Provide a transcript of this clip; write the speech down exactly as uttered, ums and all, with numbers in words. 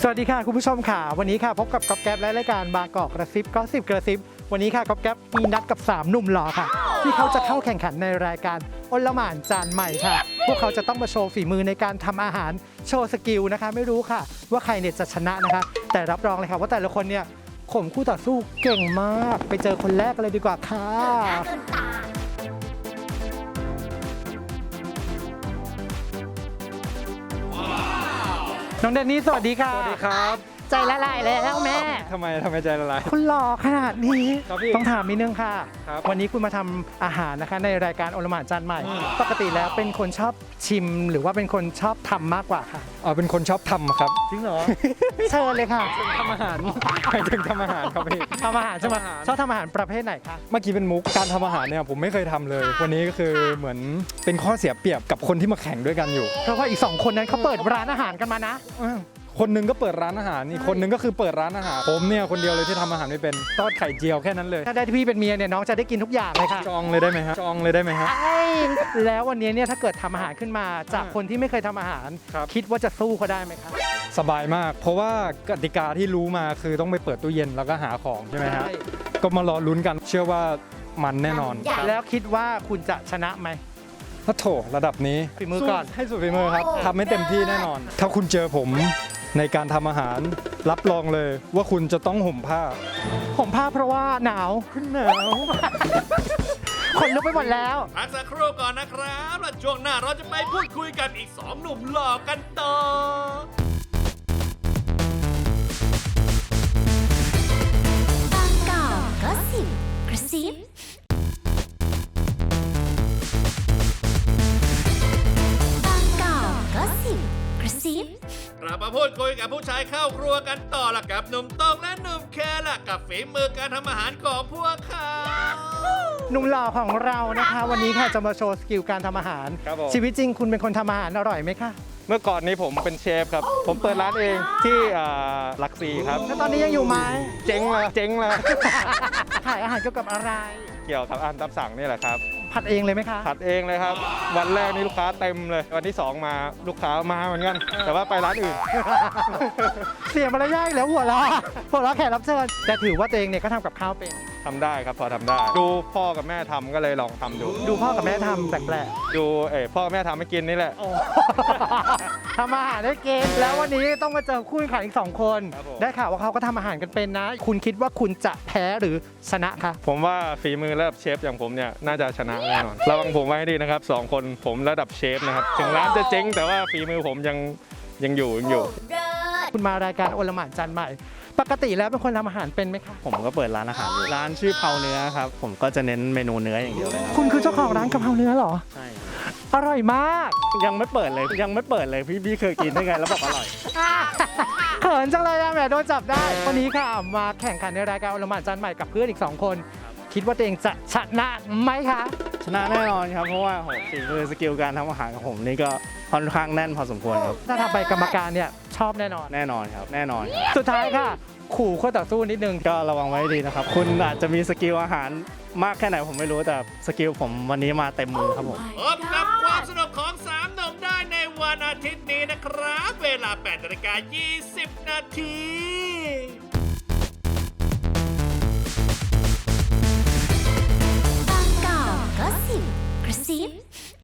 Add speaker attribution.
Speaker 1: วัสดีค่ะคุณผู้ชมค่ะวันนี้ค่ะพบกับก๊อฟแก๊ปและรายการบางกอกกระซิบก็สิบกระซิบวันนี้ค่ะก๊อฟแก๊ปมีนัดกับสามหนุ่มหล่อค่ะที่เขาจะเข้าแข่งขันในรายการอลหม่านจานใหม่ค่ะพวกเขาจะต้องมาโชว์ฝีมือในการทำอาหารโชว์สกิลนะคะไม่รู้ค่ะว่าใครเนี่ยจะชนะนะคะแต่รับรองเลยค่ะว่าแต่ละคนเนี่ยข่มคู่ต่อสู้เก่งมากไปเจอคนแรกกันเลยดีกว่าค่ะน้องเดนนี่สวัสดีค่ะ
Speaker 2: สวัสดีครับ
Speaker 1: ใจละลายแล้วแม่
Speaker 2: ทำไมทำไมใจละลาย
Speaker 1: คุณหล่อขนาดนี้
Speaker 2: ครับพี่
Speaker 1: ต้องถามนิดนึงค่ะ
Speaker 2: ครับ
Speaker 1: วันนี้คุณมาทำอาหารนะคะในรายการอลหม่านจานใหม่ปกติแล้วเป็นคนชอบชิมหรือว่าเป็นคนชอบทำมากกว่าค่ะ
Speaker 2: อ๋อเป็นคนชอบทำครับ
Speaker 1: จริงเหรอ เชิญเลยค่ะ
Speaker 2: ทำอาหารหมายถึงทำอาหารครับพี่
Speaker 1: ทำอาหารใช่ไหม
Speaker 2: ทำอาหาร
Speaker 1: ชอบทำอาหารประเภทไหนคะ
Speaker 2: เมื่อกี้เป็นมุกการทำอาหารเนี่ยผมไม่เคยทำเลย วันนี้ก็คือเหมือนเป็นข้อเสียเปรียบกับคนที่มาแข่งด้วยกันอยู่
Speaker 1: เพราะว่าอีกสองคนนั้นเขาเปิดร้านอาหารกันมานะ
Speaker 2: อ้าวคนหนึงก็เปิดร้านอาหารอีกคนหนึงก็คือเปิดร้านอาหารผมเนี่ยคนเดียวเลยที่ทำอาหารไม่เป็นทอดไข่เจียวแค่นั้นเลย
Speaker 1: ถ้าได้พี่เป็นเมียเนี่ยน้องจะได้กินทุกอย่างเลยค่ะ
Speaker 2: จองเลยได้ไหมฮะจองเลยได้ไหมฮะ
Speaker 1: ไอ้แล้ววันนี้เนี่ยถ้าเกิดทำอาหารขึ้นมาจากคนที่ไม่เคยทำอาหาร
Speaker 2: ครับ
Speaker 1: คิดว่าจะสู้เขาได้ไหมคะ
Speaker 2: สบายมาก เพราะว่ากติกาที่รู้มาคือต้องไปเปิดตู้เย็นแล้วก็หาของใช่ไหมฮะก็มารอลุ้นกันเชื่อว่ามันแน่นอน
Speaker 1: แล้วคิดว่าคุณจะชนะไหม
Speaker 2: พระโถระดับนี้
Speaker 1: ฝีมือก่อน
Speaker 2: ให้สุดฝีมือครับทำให้เต็มที่แน่นอน ถ้าคุณเจอผมในการทำอาหารรับรองเลยว่าคุณจะต้องห่มผ้า
Speaker 1: ผมผ้าเพราะว่าหนาว
Speaker 2: ขึ้นหนาว
Speaker 1: คนลุกไปหมดแล้ว
Speaker 3: พักสักครู่ก่อนนะครับแล้วช่วงหน้าเราจะไปพูดคุยกับอีกสองหนุ่มหล่อกันต่อ
Speaker 4: บางกอกก็สิบกระซิบางกอกก็สิบกระซิบ
Speaker 3: กลับมาพูดคุยกับผู้ชายเข้าครัวกันต่อละกับหนุ่มตองและหนุ่มแคละกับฝีมือการทำอาหารของพวกเขา
Speaker 1: หนุ่มหล่อของเรานะคะ วันนี้ค่ะจะมาโชว์สกิลการทำอาหารั
Speaker 2: บผม
Speaker 1: ชีวิตจริงคุณเป็นคนทำอาหารอร่อยไหมคะ
Speaker 2: เมื่อก่อนนี้ผมเป็นเชฟครับ ผมเปิดร้านเองที่อ่าหลักสี่ครับ
Speaker 1: แล้วตอนนี้ยังอยู่ไหม
Speaker 2: เจ๊งแล้วเจ๊งแล้ว
Speaker 1: ขายอาหารเกี่ยวกับอะไร
Speaker 2: เกี่ยวกับอาหารตามสั่งนี่แหละครับ
Speaker 1: ผัดเองเลยไหมคะ
Speaker 2: ผัดเองเลยครับ วันแรกนี่ลูกค้าเต็มเลย วันที่สองมาลูกค้ามาเหมือนกัน แต่ว่าไปร้านอื่น
Speaker 1: เสียมารยาทอีกแล้วหัวเราะหัวเราะแขกรับเชิญแต่ถือว่าตัวเองเนี่ยก็ทำกับข้าวเป็น
Speaker 2: ทำได้ครับพอทำได้ ดูพ่อกับแม่ทำก็เลยลองทำดู
Speaker 1: ดูพ่อกับแม่ทำแปลก
Speaker 2: ดูเอ๋พ่อกับแม่ทำให้กินนี่แหละ
Speaker 1: ๆโอ้ ทำอาหารได้เก่งแล้ววันนี้ต้องมาเจอคู่แข่งขันอีกสองคน
Speaker 2: ครับผม
Speaker 1: ได้ข่าวว่าเขาก็ทำอาหารกันเป็นนะ คุณคิดว่าคุณจะแพ้หรือชนะคะ
Speaker 2: ผมว่าฝีมือระดับเชฟอย่างผมเนี่ยน่าจะชนะแน่นอนระวังผมไว้ให้ดีนะครับสองคนผมระดับเชฟนะครับถึงร้านจะเจ๊งแต่ว่าฝีมือผมยังยังอยู่ยังอยู่
Speaker 1: คุณมารายการอลหม่านจานใหม่ ปกติแล้วเป็นคนทำอาหารเป็นไหมคะ
Speaker 5: ผมก็เปิดร้านอาหารอยู่ร้านชื่อเผาเนื้อครับผมก็จะเน้นเมนูเนื้ออย่างเดียวเลยครับ
Speaker 1: คุณคือเจ้าของร้านกะเพราเนื้อเหรอ
Speaker 5: ใช่
Speaker 1: อร่อยมาก
Speaker 5: ยังไม่เปิดเลยยังไม่เปิดเลยพี่พี่เคยกินได้ไงแล้วบอกอร่อย
Speaker 1: เขินจังเลยอะแหมโดนจับได้ วันนี้ค่ะมาแข่งขันในรายการอลหม่านจานใหม่กับเพื่อนอีกสองคน คิดว่าตัวเองจะชนะไหมคะ
Speaker 5: ชนะแน่นอนครับเพราะว่าโหฝีมือสกิลการทำอาหารของผมนี่ก็ค่อนข้างแน่นพอสมควรครับ
Speaker 1: ถ้าทำไปกรรมการเนี่ยชอบแน่นอน
Speaker 5: แน่นอนครับแน่นอนครับ
Speaker 1: สุดท้ายค่ะ ขู่คู่ต่อสู้นิดนึง
Speaker 5: ก็ระวังไว้ให้ดีนะครับคุณอาจจะมีสกิลอาหารมากแค่ไหนผมไม่รู้แต่สกิลผมวันนี้มาเต็มมือครับผม
Speaker 3: พบกับความสนุกของสามหนุ่มได้ในวันอาทิตย์นี้นะครับ เวลาแปดนาฬิกายี่สิบนาที
Speaker 4: บางกอกก็สิบกระซิบ